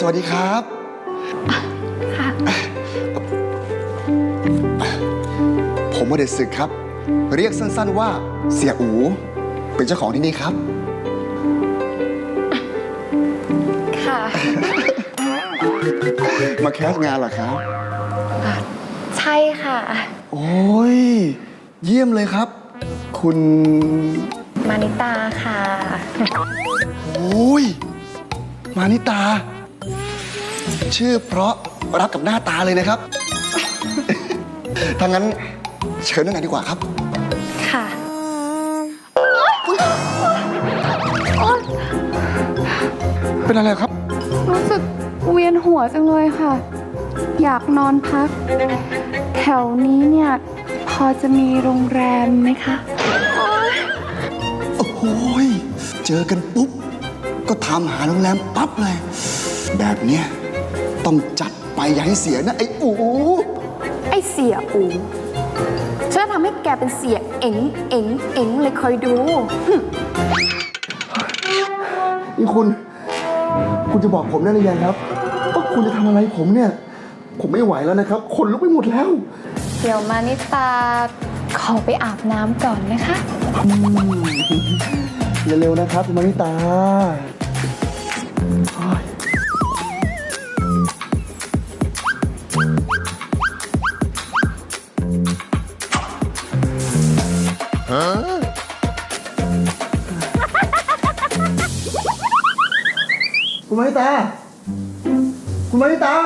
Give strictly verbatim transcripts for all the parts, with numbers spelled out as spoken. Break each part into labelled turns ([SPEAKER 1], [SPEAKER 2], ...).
[SPEAKER 1] วัสดีครับ
[SPEAKER 2] ค่ะ
[SPEAKER 1] ผมอเดชศึกครับเรียกสั้นๆว่าเสียอูเป็นเจ้าของที่นี่ครับ
[SPEAKER 2] ค่ะ
[SPEAKER 1] มาแคสงานเหรอครับ
[SPEAKER 2] ใช่ค่ะ
[SPEAKER 1] โอ้ยเยี่ยมเลยครับคุณ
[SPEAKER 2] มานิตาค่ะ
[SPEAKER 1] โอ้ยมานิตาชื่อเพราะรับกับหน้าตาเลยนะครับถ้างั้นเชิญนั่งกันดีกว่าครับ
[SPEAKER 2] ค่ะ
[SPEAKER 1] เป็นอะไรครับ
[SPEAKER 3] รู้สึกเวียนหัวจังเลยค่ะอยากนอนพักแถวนี้เนี่ยพอจะมีโรงแรมไหมคะ
[SPEAKER 1] โอ้โหเจอกันปุ๊บก็ทำหาโรงแรมปั๊บเลยแบบเนี้ยต้องจัดไปอย่าให้เสียนะไอ้อู
[SPEAKER 3] ไอ้เสียอูฉันจะทำให้แกเป็นเสียเอ็งเอ็งเอ็งเลยคอยดู
[SPEAKER 1] นี่คุณคุณจะบอกผมได้หรือยังครับว่าคุณจะทำอะไรผมเนี่ยผมไม่ไหวแล้วนะครับขนลุกไปหมดแล้ว
[SPEAKER 3] เดี๋ยวมานิตาขอไปอาบน้ำก่อนนะคะ
[SPEAKER 1] เร็วๆนะครับคุณมานิตาคุณมานิตาคุณมานิตา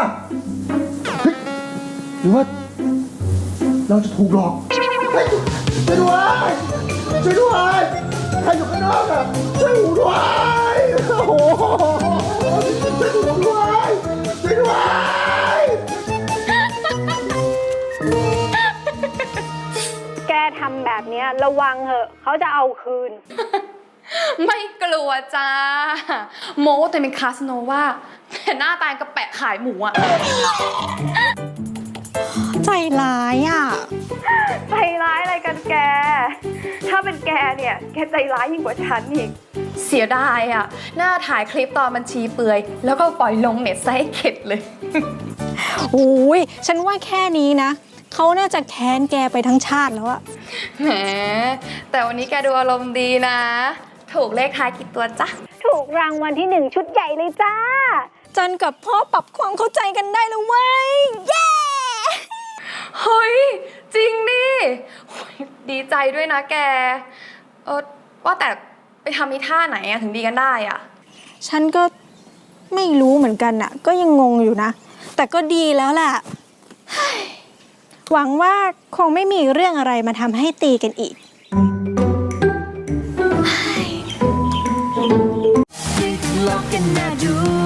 [SPEAKER 1] หรือว่าเราจะถูกหลอกช่วยด้วยช่วยด้วยใครอยู่ข้างนอกอ่ะช่วยหูด้วยโอ้โหช่วยหูด้วยช่วยด้วย
[SPEAKER 4] แกทำแบบนี้ระวังเหอะเขาจะเอาคืน
[SPEAKER 3] ไม่กลัวจ้าโมแต่เป็นคาสโนว่าแต่หน้าตายกระแปะขายหมูอะ
[SPEAKER 2] ใจร้ายอ่ะ
[SPEAKER 4] ใจร้ายอะไรกันแกถ้าเป็นแกเนี่ยแกใจร้ายยิ่งกว่าฉันอีก
[SPEAKER 3] เสียดายอ่ะหน้าถ่ายคลิปตอนบัญชีเปื่อยแล้วก็ปล่อยลงเน็ตซะให้เข็ดเลย
[SPEAKER 2] โอ้ยฉันว่าแค่นี้นะเขาน่าจะแค้นแกไปทั้งชาติแล้วอะ
[SPEAKER 3] แหมแต่วันนี้แกดูอารมณ์ดีนะถูกเลขท้ายกี่ตัวจ๊ะ
[SPEAKER 4] ถูกรางวัลที่หนึ่งชุดใหญ่เลยจ้า
[SPEAKER 2] จันกับพ่อปรับความเข้าใจกันได้แล้วเว้ยเย้
[SPEAKER 3] เฮ้ยจริงดิดีใจด้วยนะแกเออว่าแต่ไปทำอีท่าไหนอะถึงดีกันได้อะ
[SPEAKER 2] ฉันก็ไม่รู้เหมือนกันอะก็ยังงงอยู่นะแต่ก็ดีแล้วแหละหวังว่าคงไม่มีเรื่องอะไรมาทำให้ตีกันอีก
[SPEAKER 5] ลอกกันน่าดู